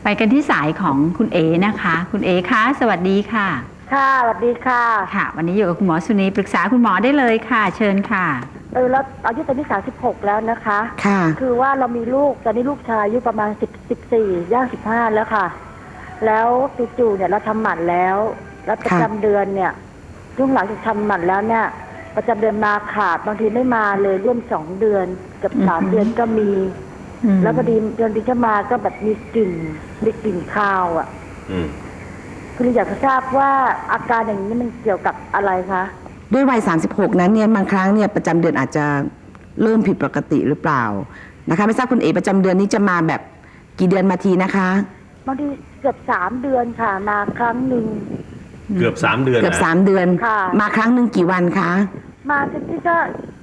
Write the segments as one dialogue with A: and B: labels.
A: ไปกันที่สายของคุณเอนะคะคุณเอคะสวัสดีค่ะ
B: ค่ะสวัสดีค่ะ
A: ค่ะวันนี้อยู่กับคุณหมอสุนีปรึกษาคุณหมอได้เลยค่ะเชิญค่ะ
B: แล้วอายุตอนนี้36แล้วนะคะ
C: ค่ะ
B: คือว่าเรามีลูกตอนนี้ลูกชายอายุประมาณ14ย่าง15แล้วค่ะแล้วจู่ๆเนี่ยเราทำหมันแล้วประจำเดือนเนี่ยช่วงหลังจากทำหมันแล้วเนี่ยประจำเดือนมาขาดบางทีไม่มาเลยร่วม2 เดือนกับ3 เดือนก็มีแล้วพอดีเดือนที่จะมาก็แบบมีกลิ่นคาวอ่ะคืออยากจะทราบว่าอาการอย่างนี้มันเกี่ยวกับอะไรคะ
C: ด้วยวัย36นั้นเนี่ยบางครั้งเนี่ยประจำเดือนอาจจะเริ่มผิดปกติหรือเปล่านะคะไม่ทราบคุณเอ๋ประจำเดือนนี้จะมาแบบกี่เดือนมาทีนะคะ
B: บางทีเกือบ3 เดือนค่ะมาครั้งหนึ่ง
D: เกือบ3 เดือน
C: เกือบ3 เดือนมาครั้งหนึ่งกี่วันคะ
B: มาที่ก็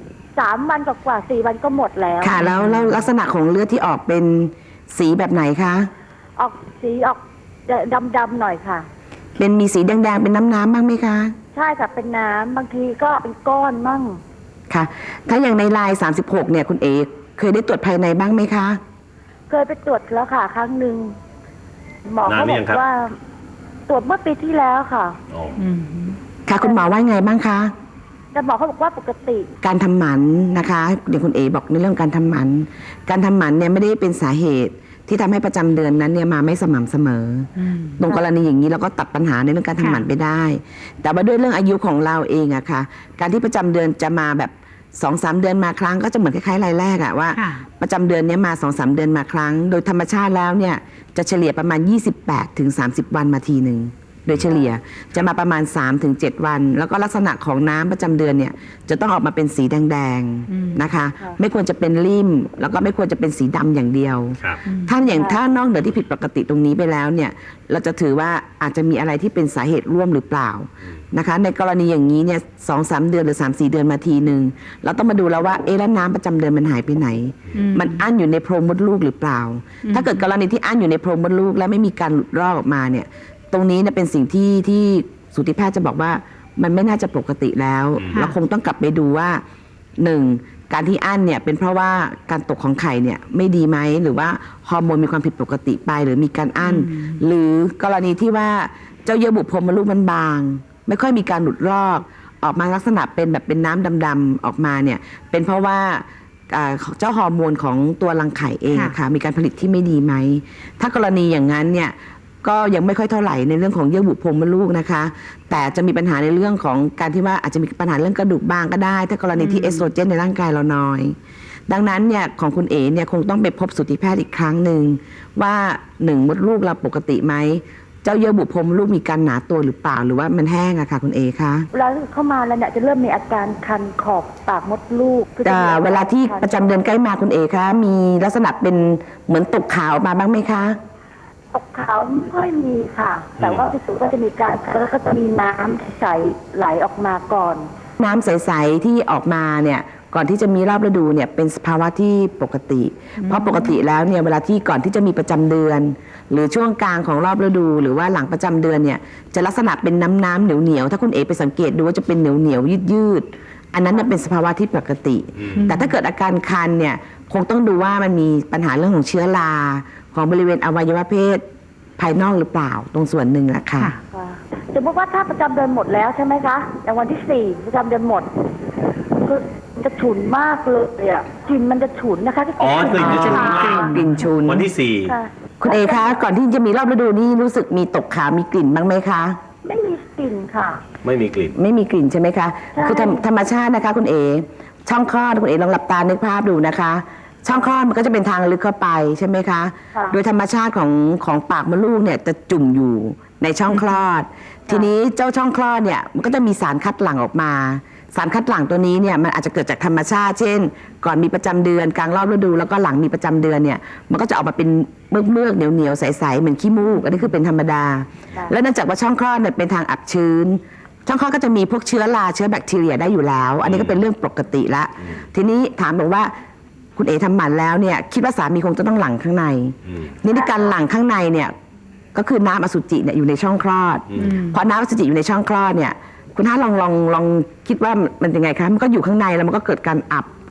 B: 3 วันกว่า4 วันก็หมดแล้ว
C: ค่ะแล้วลักษณะของเลือดที่ออกเป็นสีแบบไหนคะ
B: ออกสีออกดำๆหน่อยค่ะ
C: เป็นมีสีแดงๆเป็นน้ำบ้างไหมคะ
B: ใช่ค่ะเป็นน้ำบางทีก็เป็นก้อนมั่ง
C: ค่ะถ้าอย่างในลาย36เนี่ยคุณเอ๋เคยได้ตรวจภายในบ้างไหมคะ
B: เคยไปตรวจแล้วค่ะครั้งหนึ่งหมอเขาบอกว่าตรวจเมื่อปีที่แล้วค่ะ
C: ค่ะคุณหมอว่าไงบ้างคะ
B: แต่หมอเขาบอกว่าปกติ
C: การทำหมันนะคะเดี๋ยวคุณเอ๋บอกในเรื่องการทำหมันเนี่ยไม่ได้เป็นสาเหตุที่ทำให้ประจำเดือนนั้นเนี่ยมาไม่สม่ำเสมอตรงกรณีอย่างนี้เราก็ตัดปัญหาในเรื่องการทำหมันไปได้แต่ว่าด้วยเรื่องอายุของเราเองอะค่ะการที่ประจำเดือนจะมาแบบ2-3 เดือนมาครั้งก็จะเหมือนคล้ายๆรายแรกอะว่าประจำเดือนนี้มา2-3 เดือนมาครั้งโดยธรรมชาติแล้วเนี่ยจะเฉลี่ยประมาณ28-30 วันมาทีหนึ่งโดยเฉลี่ยจะมาประมาณ3-7 วันแล้วก็ลักษณะของน้ำประจำเดือนเนี่ยจะต้องออกมาเป็นสีแดงๆนะคะไม่ควรจะเป็นริ่มแล้วก็ไม่ควรจะเป็นสีดำอย่างเดียวถ้านอกเหนือที่ผิดปกติตรงนี้ไปแล้วเนี่ยเราจะถือว่าอาจจะมีอะไรที่เป็นสาเหตุร่วมหรือเปล่านะคะในกรณีอย่างนี้เนี่ย2-3 เดือนหรือ3-4 เดือนมาทีหนึ่งเราต้องมาดูแล้วว่าแล้วน้ำประจำเดือนมันหายไปไหนมันอั้นอยู่ในโพรงมดลูกหรือเปล่าถ้าเกิดกรณีที่อั้นอยู่ในโพรงมดลูกและไม่มีการหลุดรอดออกมาเนี่ยตรงนี้เนี่ยเป็นสิ่งที่สูติแพทย์จะบอกว่ามันไม่น่าจะปกติแล้วเราคงต้องกลับไปดูว่า1การที่อั้นเนี่ยเป็นเพราะว่าการตกของไข่เนี่ยไม่ดีไหมหรือว่าฮอร์โมนมีความผิดปกติไปหรือมีการอั้นหรือกรณีที่ว่าเจ้าเยื่อบุโพรงมดลูกมันบางไม่ค่อยมีการหลุดรอดออกมาลักษณะเป็นแบบเป็นน้ำดำๆออกมาเนี่ยเป็นเพราะว่าเจ้าฮอร์โมนของตัวรังไข่เองค่ะมีการผลิตที่ไม่ดีไหมถ้ากรณีอย่างนั้นเนี่ยก็ยังไม่ค่อยเท่าไหร่ในเรื่องของเยื่อบุโพรงมดลูกนะคะแต่จะมีปัญหาในเรื่องของการที่ว่าอาจจะมีปัญหาเรื่องกระดูกบ้างก็ได้ถ้ากรณีที่เอสโตรเจนในร่างกายเราน้อยดังนั้นเนี่ยของคุณเอ๋เนี่ยคงต้องไปพบสูติแพทย์อีกครั้งหนึ่งว่า1มดลูกเราปกติไหมเจ้าเยื่อบุโพรงมดลูกมีการหนาตัวหรือเปล่าหรือว่ามันแห้งอะค่ะคุณเอ๋คะ
B: เวลาเข้ามาแล้วเนี่ยจะเริ่มมีอาการคันขอบปากมดลูก
C: เวลาที่ประจำเดือนใกล้มาคุณเอ๋คะมีลักษณะเป็นเหมือนตกขาวมาบ้างไหมคะ
B: ตกขาวไม่ค่อยมีค่ะแต่ว่าที่สุดก็จะมีการแล้วก็จะมีน้ำใสไหลออกมาก่อน
C: น้ำใสๆที่ออกมาเนี่ยก่อนที่จะมีรอบฤดูเนี่ยเป็นสภาวะที่ปกติเพราะปกติแล้วเนี่ยเวลาที่ก่อนที่จะมีประจำเดือนหรือช่วงกลางของรอบฤดูหรือว่าหลังประจำเดือนเนี่ยจะลักษณะเป็นน้ำเหนียวถ้าคุณเอไปสังเกตดูว่าจะเป็นเหนียวยืดอันนั้นเป็นสภาวะที่ปกติแต่ถ้าเกิดอาการคันเนี่ยคงต้องดูว่ามันมีปัญหาเรื่องของเชื้อราของบริเวณอวัยวะเพศภายนอกหรือเปล่าตรงส่วนหนึ่งแหละค่ะ
B: สมมติว่าถ้าประจำเดือนหมดแล้วใช่ไหมคะอย่างวันที่4ประจำเดือนหมดคือจะฉุนมากเลยอ่ะกลิ่นมันจะฉุนนะคะ
D: กลิ่นจะฉุน
C: กลิ่นฉุน
D: วันที่4
C: คุณเอคะก่อนที่จะมีรอบฤดูนี่รู้สึกมีตกขาวมีกลิ่นบ้างไหมคะ
B: ไม่มีกลิ่นค่ะ
D: ไม่มีกลิ่
C: นใช่ไหมคะคือธรรมชาตินะคะคุณเอช่องคลอดคุณเอลองหลับตานึกภาพดูนะคะช่องคลอดมันก็จะเป็นทางลึกเข้าไปใช่ไหมคะโดยธรรมชาติของปากมดลูกเนี่ยจะจุ่มอยู่ในช่องคลอดทีนี้เจ้าช่องคลอดเนี่ยมันก็จะมีสารคัดหลั่งออกมาสารคัดหลั่งตัวนี้เนี่ยมันอาจจะเกิดจากธรรมชาติเช่นก่อนมีประจำเดือนกลางรอบฤดูแล้วก็หลังมีประจำเดือนเนี่ยมันก็จะออกมาเป็นเมือกเหนียวใสๆเหมือนขี้มูกอันนี้คือเป็นธรรมดาแล้วเนื่องจากว่าช่องคลอดเนี่ยเป็นทางอับชื้นช่องคลอดก็จะมีพวกเชื้อราเชื้อแบคทีเรียได้อยู่แล้วอันนี้ก็เป็นเรื่องปกติละทีนี้ถามบอกว่าคุณเอ๋ทำหมันแล้วเนี่ยคิดว่าสามีคงจะต้องหลั่งข้างในนี่ในการหลั่งข้างในเนี่ยก็คือน้ำอสุจิเนี่ยอยู่ในช่องคลอดพอน้ำอสุจิอยู่ในช่องคลอดเนี่ยคุณท่านลองคิดว่ามันยังไงคะมันก็อยู่ข้างในแล้วมันก็เกิดการอับ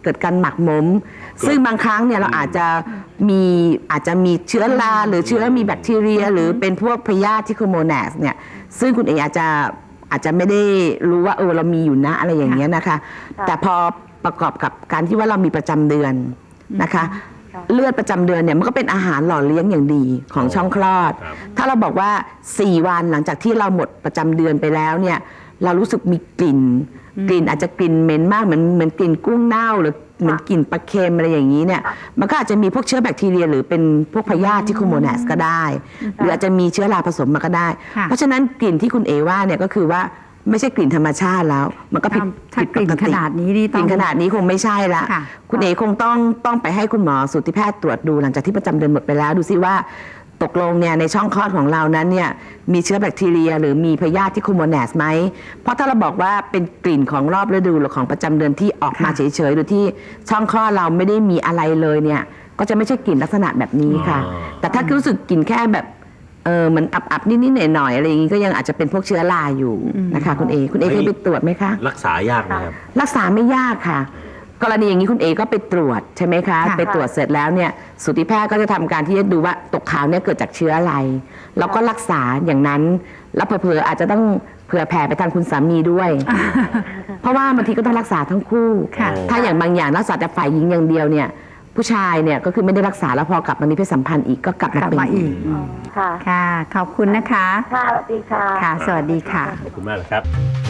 C: เกิดการหมักหมม ซึ่งบางครั้งเนี่ยเราอาจจะมีเชื้อราหรือเชื้อมีแบคทีเรีย หรือเป็นพวกพยาธิที่โคโมแนสเนี่ยซึ่งคุณเออาจจะไม่ได้รู้ว่าเรามีอยู่นะอะไรอย่างเงี้ยนะคะ แต่พอประกอบกับการที่ว่าเรามีประจำเดือนนะคะ เลือดประจำเดือนเนี่ยมันก็เป็นอาหารหล่อเลี้ยงอย่างดีของช่องคลอด
D: ครับ
C: ถ้าเราบอกว่า 4 วันหลังจากที่เราหมดประจำเดือนไปแล้วเนี่ยเรารู้สึกมีกลิ่นอาจจะกลิ่นเหม็นมากเหมือนกลิ่นกุ้งเน่าหรือเหมือนกลิ่นปลาเค็มอะไรอย่างนี้เนี่ยมันก็อาจจะมีพวกเชื้อแบคทีเรีย หรือเป็นพวกพยาธิที่โคโมแนสก็ได้ หรืออาจจะมีเชื้อราผสมมาก็ได้
A: ค่ะ
C: เพราะฉะนั้นกลิ่นที่คุณเอว่าเนี่ยก็คือว่าไม่ใช่กลิ่นธรรมชาติแล้ว มันก็ผิด
A: ถ้ากลิ่น
C: ป
A: ขนาดนี้นี่
C: ก
A: ต้อ
C: ลิ่
A: ง
C: นขนาดนี้คงไม่ใช่ละ
A: ค่ะ
C: คุณเอคงต้องไปให้คุณหมอสูติแพทย์ตรวจดูหลังจากที่ประจำเดือนหมดไปแล้วดูซิว่าตกลงเนี่ยในช่องคลอดของเรานั้นเนี่ยมีเชื้อแบคทีเรีย หรือมีพยาธิที่โคโมแนสไหมเพราะถ้าเราบอกว่าเป็นกลิ่นของรอบฤดูหรือของประจำเดือนที่ออกมาเฉยๆโดยที่ช่องคลอดเราไม่ได้มีอะไรเลยเนี่ยก็จะไม่ใช่กลิ่นลักษณะแบบนี้ค่ะ แต่ถ้ารู้สึกกลิ่นแค่แบบเหมือนอับๆนิดๆหน่อยๆอะไรอย่างนี้ก็ยังอาจจะเป็นพวกเชื้อราอยู่นะคะคุณเอเคยไปตรวจไหมคะ
D: รักษายากไหมครับ
C: รักษาไม่ยากค่ะ กรณีอย่างนี้คุณเอก็ไปตรวจใช่ไหมคะ
A: ค่ะ
C: ไปตรวจเสร็จแล้วเนี่ยสูติแพทย์ก็จะทำการที่จะดูว่าตกขาวเนี่ยเกิดจากเชื้ออะไรแล้วก็รักษาอย่างนั้นแล้วเผลอๆอาจจะต้องเผื่อแผ่ไปทางคุณสามีด้วย เพราะว่าบางทีก็ต้องรักษาทั้งคู่
A: ค่ะ
C: ถ้าอย่างบางอย่างรักษาแต่ฝ่ายหญิงอย่างเดียวเนี่ยผู้ชายเนี่ยก็คือไม่ได้รักษาแล้วพอกลับมามีเพศสัมพันธ์อีกก็กลับมาก
A: ลับ
C: เป็น
A: มาอี
C: อี
A: ก
C: ก
B: ค่ะ
A: ค่ะ ขอบคุณนะคะ
B: ค่ะสวัสดีค่ะ
A: ค่ะ สวัสดีค่ะ
D: ขอบคุณมากนะครับ